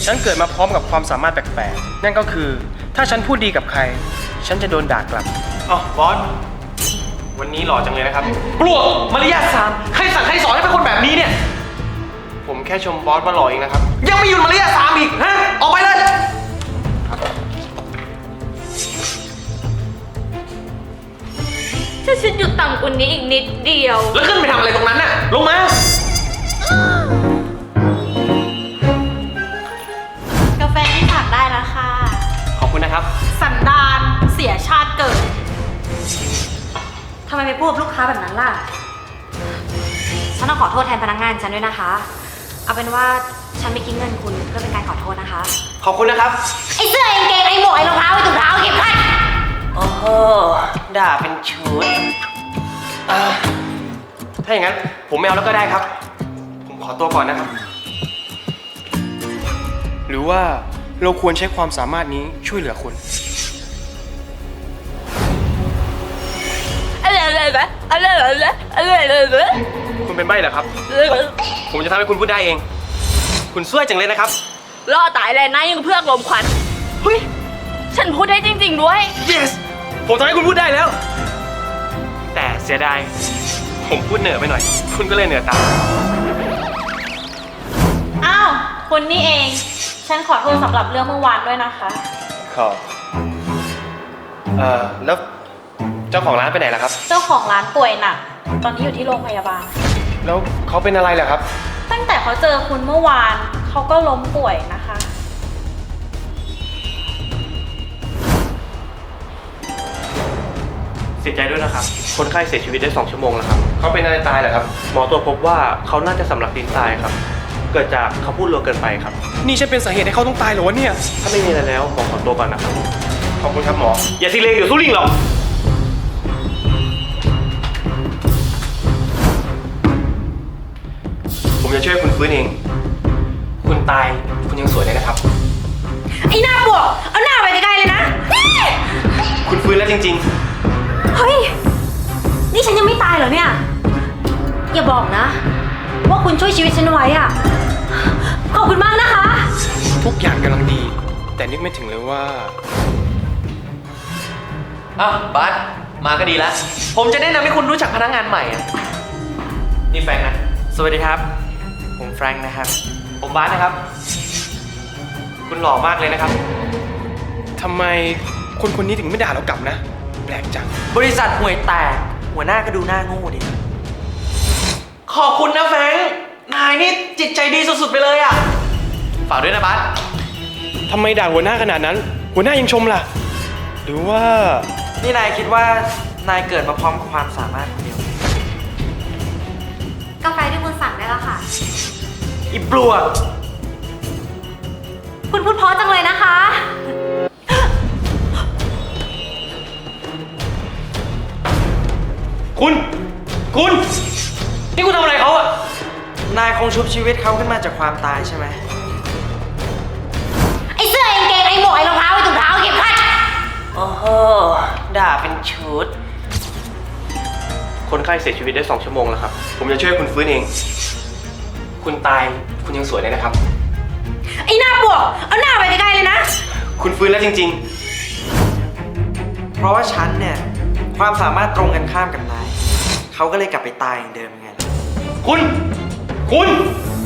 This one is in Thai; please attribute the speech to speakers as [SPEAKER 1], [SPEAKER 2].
[SPEAKER 1] ฉันเกิดมาพร้อมกับความสามารถแปลกๆนั่นก็คือถ้าฉันพูดดีกับใครฉันจะโดนด่ากลับอ๋อบอสวันนี้หล่อจังเลยนะครับ
[SPEAKER 2] ปลวกมารยาทสามใครสั่งใครสอนให้เป็นคนแบบนี้เนี่ย
[SPEAKER 1] ผมแค่ชมบอสว่าหล่อเองนะครับ
[SPEAKER 2] ยังไม่หยุดมารยาทสามอีกฮะออกไปเลย
[SPEAKER 3] ถ้าฉันอยู่ต่ำกว่านี้อีกนิดเดียว
[SPEAKER 2] แล้วขึ้นไปทำอะไรตรงนั้นน่ะลงม
[SPEAKER 3] ากาแฟที่สั่งได้แล้วค่ะ
[SPEAKER 1] ขอบคุณนะครับ
[SPEAKER 3] สันดานเสียชาติเกิดทำไมไปพูดกับลูกค้าแบบนั้นล่ะฉันต้องขอโทษแทนพนักงานฉันด้วยนะคะเอาเป็นว่าฉันไม่คิดเงินคุณเพื่อเป็นการขอโทษนะคะ
[SPEAKER 1] ขอบคุณนะครับ
[SPEAKER 3] ไอ้เสื้อไอ้กางเกงไอ้หมวกไอ้รองเท้าไอ้ถุงเท้าเก็บพัด
[SPEAKER 1] โอ้โหด่าเป็นชุดถ้าอย่างนั้นผมไม่เอาแล้วก็ได้ครับผมขอตัวก่อนนะครับหรือว่าเราควรใช้ความสามารถนี้ช่วยเหลือคนคุณเป็นใบ้เหรอครับผมจะทำให้คุณพูดได้เองคุณช่วยจังเลยนะครับ
[SPEAKER 3] ล่อตายเลยนะยังเพื่อกลมควันเฮ้ยฉันพูดได้จริงๆด้วย
[SPEAKER 1] yes ผมทำให้คุณพูดได้แล้วแต่เสียดายผมพูดเหนือไปหน่อยคุณก็เลยเหนือตาม
[SPEAKER 3] อ้าวคุณนี่เองฉันขอโทษสำหรับเรื่องเมื่อวานด้วยนะคะ
[SPEAKER 1] ขอแล้วเจ้าของร้านไปไหนล่ะครับ
[SPEAKER 3] เจ้าของร้านป่วยหนักตอนนี้อยู่ที่โรงพยาบาล
[SPEAKER 1] แล้วเขาเป็นอะไรล่ะครับ
[SPEAKER 3] ตั้งแต่เขาเจอคุณเมื่อวานเขาก็ล้มป่วยนะคะ
[SPEAKER 1] เสียใจด้วยนะครับคนไข้เสียชีวิตได้2 ชั่วโมงแล้วครับเขาเป็นอะไรตายเหรอครับหมอตรวจพบว่าเขาน่าจะสำลักดินตายครับเกิดจากเขาพูดเร็วเกินไปครับนี่ใช่เป็นสาเหตุให้เขาต้องตายเหรอวะเนี่ยถ้าไม่มีอะไรแล้วหมอขอตัวก่อนนะครับขอบคุณครับหมออย่าซีเรียสเดี๋ยวสู้ลิงหรอกผมจะช่วยคุณฟื้นเองคุณตายคุณยังสวยเลยนะครับ
[SPEAKER 3] ไอ้หน้าบวกเอาหน้าไปไกลๆเลยนะ
[SPEAKER 1] คุณฟื้นแล้วจริง
[SPEAKER 3] ๆเฮ้ยนี่ฉันยังไม่ตายเหรอเนี่ยอย่าบอกนะว่าคุณช่วยชีวิตฉันไว้อะขอบคุณมากนะคะ
[SPEAKER 1] ทุกอย่างกำลังดีแต่นึกไม่ถึงเลยว่า
[SPEAKER 2] บัสมาก็ดีแล้วผมจะแนะนำให้คุณรู้จักพนักงานใหม่อ่ะนี่แฟรงค์นะ
[SPEAKER 1] สวัสดีครับผมแฟรงค์นะครับผมบาสนะครับคุณหล่อมากเลยนะครับทำไมคนคนนี้ถึงไม่ด่าเรากลับนะแปลกจัง
[SPEAKER 2] บริษัทห่วยแตกหัวหน้าก็ดูหน้าโง่ดิขอบคุณนะแฟรงค์นายนี่จิตใจดีสุดๆไปเลยอ่ะฝากด้วยนะบัส
[SPEAKER 1] ทำไมด่าหัวหน้าขนาดนั้นหัวหน้ายังชมล่ะหรือว่า
[SPEAKER 2] นี่นายคิดว่านายเกิดมาพร้อมกับความสามารถคนเดียว
[SPEAKER 3] กาแฟที่คุณสั่งได้แล้วค่ะ
[SPEAKER 2] อีปลวก
[SPEAKER 3] คุณพูดเพราะจังเลยนะคะ
[SPEAKER 1] คุณนี่คุณทำอะไรเขาอ่ะ
[SPEAKER 2] นายคงชุบชีวิตเขาขึ้นมาจากความตายใช่ไหม
[SPEAKER 3] ไอ้เสื้อไอ้กางเกงไอ้หมวกไอ้รองเท้าไอ้ถุงเท้าเก็บพัด
[SPEAKER 1] โอ้โหด่าเป็นชุดคนไข้เสียชีวิตได้2 ชั่วโมงแล้วครับผมจะช่วยคุณฟื้นเองคุณตายคุณยังสวยเลยนะครับ
[SPEAKER 3] ไอ้หน้าบวกเอาหน้าไปไกลๆเลยนะ
[SPEAKER 1] คุณฟื้นแล้วจริง
[SPEAKER 2] ๆเพราะว่าฉันเนี่ยความสามารถตรงกันข้ามกับนายเขาก็เลยกลับไปตายอย่างเดิมไง
[SPEAKER 1] คุณ